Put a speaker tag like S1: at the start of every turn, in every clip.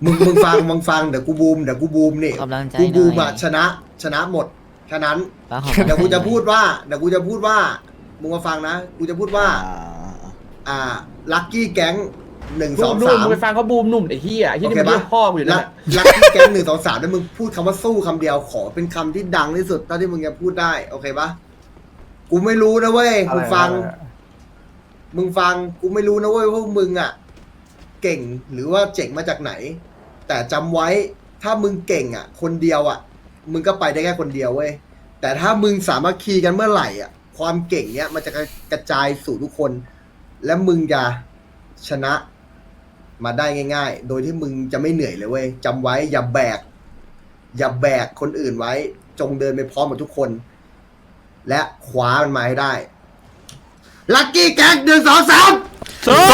S1: มึงฟังเดี๋ยวกูบูมนี่
S2: กำลังใจ
S1: กูบูม
S2: หน่
S1: อะ
S2: อย
S1: ชนะหมดแค่นั้น
S2: ป้าขอ
S1: เดี๋ยวกูจะพูดว่ามึงมาฟังนะกูจะพูดว่าลัคกี้แก๊ง1 2
S3: นุ่ม
S1: 3
S3: มึงไปฟังเขาบูมหนุ่มไอ้เหี้ยที่นี่
S1: โอเค
S3: มัน
S1: ปะ
S3: เรียกพ่อกูอยู่นั่นแหละ
S1: ลัคกี้แก๊ง1 2 3แล้วมึงพูดคำว่าสู้คำเดียวขอเป็นคำที่ดังที่สุดเท่าที่มึงจะพูดได้โอเคปะกูไม่รู้นะเว้ยมึงฟังกูไม่รู้นะเว้ยว่าพวกมึงอะเก่งหรือว่าเจ๋งมาจากไหน แต่จำไว้ถ้ามึงเก่งอะคนเดียวอะมึงก็ไปได้แค่คนเดียวเว้ยแต่ถ้ามึงสามัคคีกันเมื่อไหร่อะความเก่งเนี้ยมันจะกระจายสู่ทุกคน และมึงจะชนะมาได้ง่ายๆ โดยที่มึงจะไม่เหนื่อยเลยเว้ยจำไว้อย่าแบกคนอื่นไว้ จงเดินไปพร้อมกับทุกคน และคว้ามันมาให้ได้ลัคกี้แก๊ง1 2 3
S2: สู้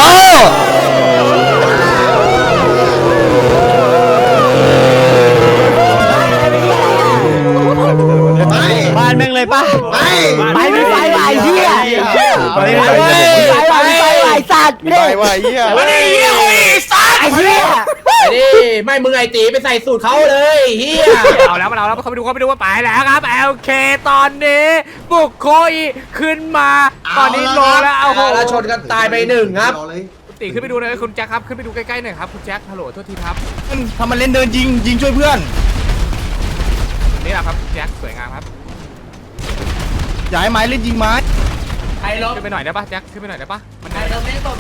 S2: บ้านแม่งเลยป่ะไปไม่ไปไหวเฮียไปไหวสัตว์ไม่ได้ไหวเฮียไม่ได้เฮียคุยสัตว์ไอ้เฮีย
S3: ไอ้นี่ไม่มึงไอ้ตีไปใส่สูตรเขาเลยเฮีย
S4: เอาแล้วเขาไปดูว่าไปแล้วครับ LK ตอนนี้บุกโคอีขึ้นมาตอนนี้ลงแล้วเอาโห
S3: แล้วชนกันตายไป1ครับ
S4: ตีขึ้นไปดูเลยคุณแจ็คครับขึ้นไปดูใกล้ๆหน่อยครับคุณแจ็คฮัลโหลโทษทีครับ
S5: ทำมันเล่นเดินยิงช่วยเพื่อน
S4: นี่แหละครับแจ็คสวยงามครับ
S5: ย้ายไม้เล่นยิงไม้
S4: ขึ้นไปหน่อยได้ปะแจ็คขึ้นไปหน่อยได้ปะมันได้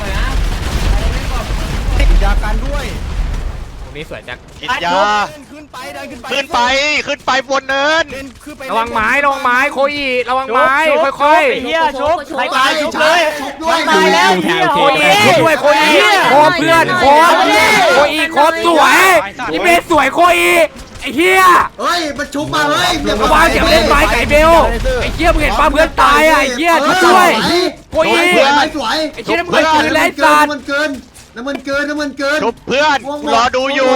S5: ยากันด้วย
S4: ตรงนี้สวยแจ็ค
S6: กินยา
S5: ขึ้นไปเดินขึ้นไป
S6: ขึ้นไปบนเนิน
S4: ระวังไม้โคอีระวังไม้ค่อยๆ
S2: เฮียชุบไปตายชุบเลย
S1: ด้วย
S2: ตายแล้วเฮีย
S4: โคอีด้วยโคอีโคเพื่อนโคอีโคสวยนี่เบสสวยโคอีไอ้เฮีย
S1: เฮ้ยมันชุบมาเฮ้ย
S4: ระวังอย่าเล่นไม้ไก่เบลไอ้เฮียมึงเห็นป้าเพื่อนตายอ่ะไอ้เฮียช่วยด้วยโคอี
S1: สวย
S4: ไอ้เฮียมันคืนแล้วไอ้สัตว์
S1: มันเกินน้ำมันเกิน
S6: ชุบเพื่อนกูรอดูอยู่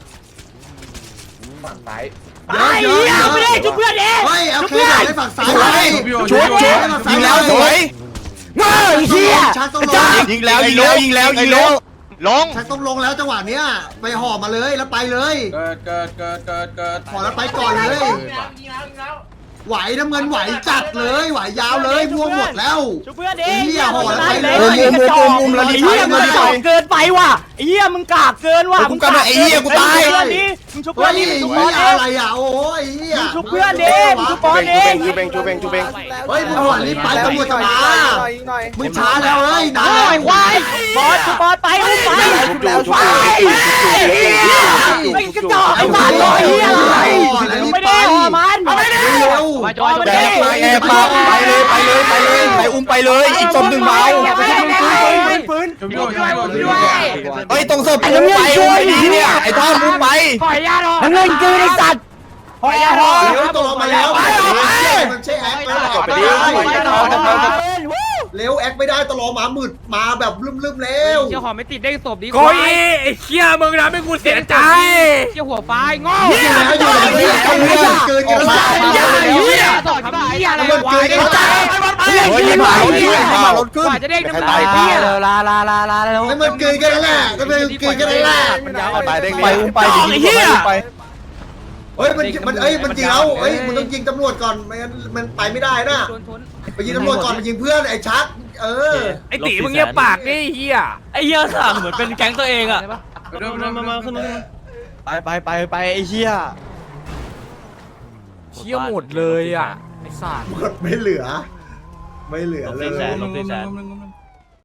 S3: ฝั่งซ้าย
S1: ไอ้เหี้ยไม่ได้ชุบเพื่อนเองเฮ้ยโอเคได้ฝั่งซ้าย
S5: ชุบยิงแล้วสวย
S2: ว้าวเฮีย
S1: ชักต้องลง
S5: ยิงแล้ว
S6: ลง
S1: ชักต้องลงแล้วจังหวะเนี้ยไปห่อมาเลยแล้วไปเลยห่อแล้วไปก่อนเลยไหวน้ำเงินไหวจัดเลยไหวยาวเลยม่วงหมดแล้ว
S2: ชุบเพื่อนดิ
S1: เหี้ยห่อแล้วไปเลย
S5: มุมละ
S2: ไอ้
S5: ลิ
S2: เฮียมึงกากเกินไปว่ะไอ้เฮียมึงกากเกินว่ะ
S5: กูกันไอ้เหี้ยกูตาย
S2: มึงชุบเพื่อนดิมึงชุบเพื่อนดิ
S1: อะไรอ่ะโอ้ยเหี้ย
S2: ชุบเพื่อนดิมึงชุบเพื่อนดิ
S5: ชูเบง
S1: เฮ้ยมึงห่อรีบไปตำรวจจะมามึงช้าแล้วเฮ้ยนะ
S2: โอ้ยควายบอสชุบบอสไปอุ้มไปไอ้กระจอกไอ้บ้านลอยเฮียอะไรไม่ได้หัวมันไม่ได้
S1: เร็ว
S2: จอมัน
S5: แบ
S2: ดิ
S5: กมาแอบมาไปอุ้มไปเลยอีกศพหนึ่งเบาเฮ้ยตรงศพไปดีเนี่ยไอ้ท่อมุมไป
S4: ปล่อยยาหรอ
S2: เงินคืนไอ้สัตว์
S4: ปล่อยยาหรอ
S1: เร็วตัวมาแล้วมันใช่แอคไม่ได้เร็วแอคไม่ได้ตลอดมามืดมาแบบลืมๆเร็ว
S4: เชี่ยหอมไม่ติดได้ศพดีโคอีไอ้เชี่ยมึงนะไม่กูเสียใจเชี่ยหัวฟ้าโง่
S1: อยู่แล้วเกินกันแล้ว
S4: สอนบ้าเหี้ยอะไร
S1: มันเกินกันแล้ว
S5: รถขึ้น
S4: กว่าจะได้น้ำตาเหี้ย
S2: ลาแล้ว
S1: มันเกินกันแล้วแหละมันเกินกันแล้วแหละ
S5: ไปอุ้มไปไป
S1: เฮ้ยมันจริงแล้วเฮ้ยมึงต้องยิงตำรวจก่อนไม่งั้นมันไปไม่ได้นะไปยิงตำรวจก่อนไปยิงเพื่อนไอ้ชัก
S4: ไอ้ตีมึงเงียบปากนี่เหี้ย
S2: ไอ้เหี้ยสั่งเหมือนเป็นแก๊งตัวเองอ่ะ
S5: มาขึ้นไปไอ้เหี้ย
S4: เชี่ยหมดเลยอ่ะไอ้สัตว์
S1: หมดไม่เหลือเลย
S5: ลบ400,000